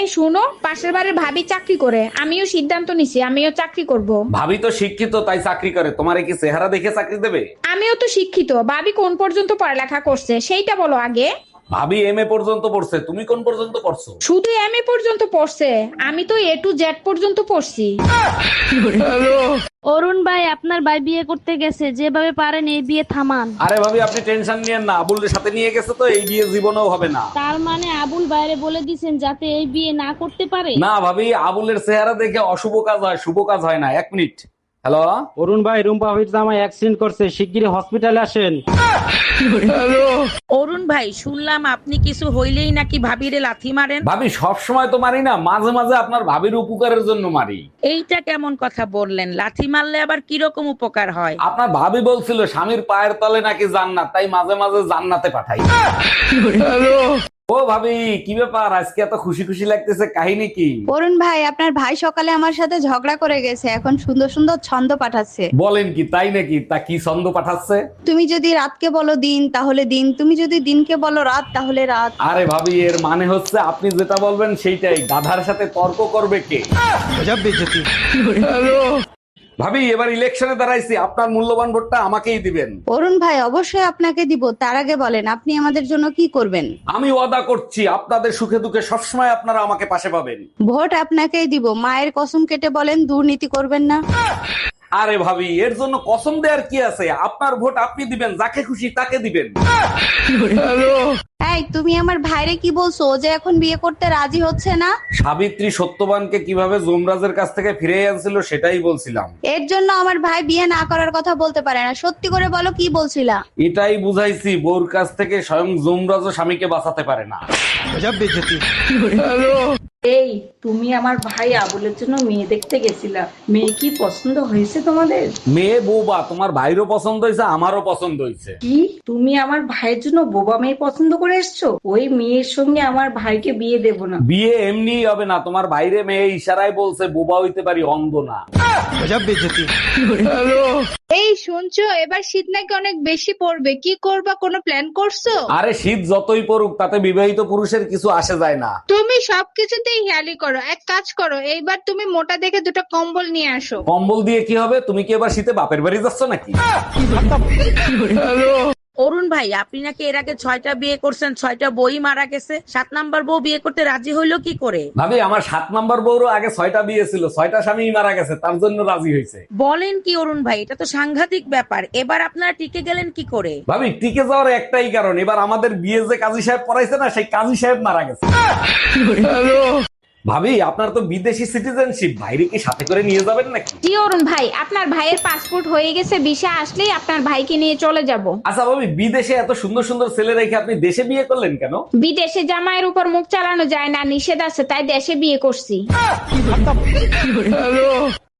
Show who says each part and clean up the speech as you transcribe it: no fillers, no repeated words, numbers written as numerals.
Speaker 1: এই শুনো, পাশের বাড়ির ভাবি চাকরি করে, আমিও সিদ্ধান্ত নিছি আমিও চাকরি করব।
Speaker 2: ভাবি তো শিক্ষিত তাই চাকরি করে, তোমারে কি চেহারা দেখে চাকরি দেবে?
Speaker 1: আমিও তো শিক্ষিত, ভাবি কোন পর্যন্ত পড়ালেখা করছে সেইটা বলো আগে।
Speaker 2: ভাবি এমএ পর্যন্ত পড়ছে, তুমি কোন পর্যন্ত পড়ছো?
Speaker 1: শুধু এমএ পর্যন্ত পড়ছে, আমি তো এ টু জেড পর্যন্ত পড়ছি।
Speaker 3: অরুণ ভাই, আপনার ভাই বিয়ে করতে গেছে, যেভাবে পারেন এই বিয়ে থামান।
Speaker 2: আরে ভাবি আপনি টেনশন নিয়েন না, আবুলের সাথে নিয়ে গেছে তো এই বিয়ে জীবনেও হবে না।
Speaker 3: তার মানে আবুল বাইরে বলে দিছেন যাতে এই বিয়ে না করতে পারে?
Speaker 2: না ভাবি, আবুলের চেহারা দেখে অশুভ কাজ হয়, শুভ কাজ হয় না। এক মিনিট। হ্যালো।
Speaker 4: অরুণ ভাই, রুম্পা ভাবির জামাই অ্যাক্সিডেন্ট করছে, শিগগিরই হসপিটালে আসেন।
Speaker 5: অরুণ ভাই, শুনলাম আপনি কিছু হইলেই নাকি ভাবিরে লাথি মারেন।
Speaker 2: ভাবি সব সময় তো মারি না, মাঝে মাঝে আপনার ভাবির উপকারের জন্য মারি।
Speaker 5: এইটা কেমন কথা বললেন? লাথি মারলে আবার কিরকম উপকার হয়?
Speaker 2: আপনার ভাবি বলছিল স্বামীর পায়ের তলে নাকি জান্নাত, তাই মাঝে মাঝে জান্নাতে পাঠাই। ও ভাবি, কি ব্যাপার আজকে এত খুশি খুশি লাগতেছে, কাহিনী কি?
Speaker 6: অরুণ ভাই, আপনার ভাই সকালে আমার সাথে ঝগড়া করে গেছে, এখন সুন্দর সুন্দর ছন্দ পাঠাচ্ছে।
Speaker 2: বলেন কি, তাই নাকি? তা কি ছন্দ পাঠাচ্ছে?
Speaker 6: তুমি যদি রাতকে বলো দিন তাহলে দিন, তুমি যদি দিনকে বলো রাত তাহলে রাত।
Speaker 2: আরে ভাবি, এর মানে হচ্ছে আপনি যেটা বলবেন সেইটাই, গাধার সাথে তর্ক করবে কে? ভাবি এবার ইলেকশনে দাঁড়াইছি, আপনার মূল্যবান ভোটটা আমাকেই দিবেন।
Speaker 6: অরুণ ভাই, অবশ্যই আপনাকে দিব, তার আগে বলেন আপনি আমাদের জন্য কি করবেন।
Speaker 2: আমি ওয়াদা করছি আপনাদের সুখে দুঃখে সবসময় আপনারা আমাকে পাশে পাবেন।
Speaker 6: ভোট আপনাকেই দিব, মায়ের কসম কেটে বলেন দুর্নীতি করবেন না।
Speaker 2: আরে ভাবি, এর জন্য কসম দেওয়ার কি আছে? আপনার ভোট আপনি দিবেন, যাকে খুশি তাকে দিবেন।
Speaker 6: এই, তুমি আমার ভাইরে কি বলছো? ও যে এখন বিয়ে করতে রাজি হচ্ছে না।
Speaker 2: সাবিত্রী সত্যবানকে কিভাবে যমরাজের কাছ থেকে ফিরে আনছিল সেটাই বলছিলাম।
Speaker 6: এর জন্য আমার ভাই বিয়ে না করার কথা বলতে পারে না। সত্যি করে বলো, কি বলছিলা?
Speaker 2: এটাই বুঝাইছি, বউর কাছ থেকে স্বয়ং যমরাজও স্বামীকে বাঁচাতে পারে না।
Speaker 7: এই, তুমি আমার ভাই আবুলের জন্য মেয়ে দেখতে গেছিলা, মেয়ে কি পছন্দ হয়েছে তোমাদের?
Speaker 2: মেয়ে বৌবা, তোমার ভাইরও পছন্দ হয়েছে, আমারও পছন্দ হয়েছে।
Speaker 7: কি, তুমি আমার ভাইয়ের জন্য বোবা মেয়ে পছন্দ করে এসছো? ওই মেয়ের সঙ্গে আমার ভাইকে বিয়ে দেব না।
Speaker 2: বিয়ে এমনি হবে না, তোমার বাইরে মেয়ে ইশারায় বলছে বোবা হইতে পারি, অন্ধ না।
Speaker 1: এই শুনছো, এবার শীত নাকি অনেক বেশি পড়বে, কি করবা, কোনো প্ল্যান করছো?
Speaker 2: আরে শীত যতই পড়ুক তাতে বিবাহিত পুরুষের কিছু আসে যায় না।
Speaker 1: তুমি সবকিছুতেই হেয়ালি করো, এক কাজ করো, এইবার তুমি মোটা দেখে দুটো কম্বল নিয়ে আসো।
Speaker 2: কম্বল দিয়ে কি হবে? তুমি কি এবার শীতে বাপের বাড়ি যাচ্ছ নাকি?
Speaker 5: অরুণ ভাই, আপনি নাকি এর আগে 6টা বিয়ে করছেন, 6টা বই মারা গেছে, 7 নাম্বার বউ বিয়ে করতে রাজি হইলো কি করে?
Speaker 2: ভাবি আমার 7 নাম্বার বউরও আগে 6টা বিয়ে ছিল, 6টা স্বামী মারা গেছে, তার জন্য রাজি হয়েছে।
Speaker 5: বলেন কি অরুণ ভাই, এটা তো সাংঘাতিক ব্যাপার। এবার আপনারা টিকে গেলেন কি করে?
Speaker 2: ভাবি টিকে যাওয়ার একটাই কারণ, এবার আমাদের বিয়ে যে কাজী সাহেব পড়াইছে না, সেই কাজী সাহেব মারা গেছে। ভাবি আপনার তো বিদেশি সিটিজেনশিপ, বাইরে কি সাথে করে নিয়ে যাবেন নাকি?
Speaker 1: জি অরুণ ভাই, আপনার ভাইয়ের পাসপোর্ট হয়ে গেছে, ভিসা আসলেই আপনার ভাইকে নিয়ে চলে যাব।
Speaker 2: আচ্ছা ভাবি, বিদেশে এত সুন্দর সুন্দর ছেলে রেখে আপনি দেশে বিয়ে করলেন কেন?
Speaker 1: বিদেশে জামাইয়ের উপর মুখ চালানো যায় না, নিষেধ আছে, তাই দেশে বিয়ে করছি।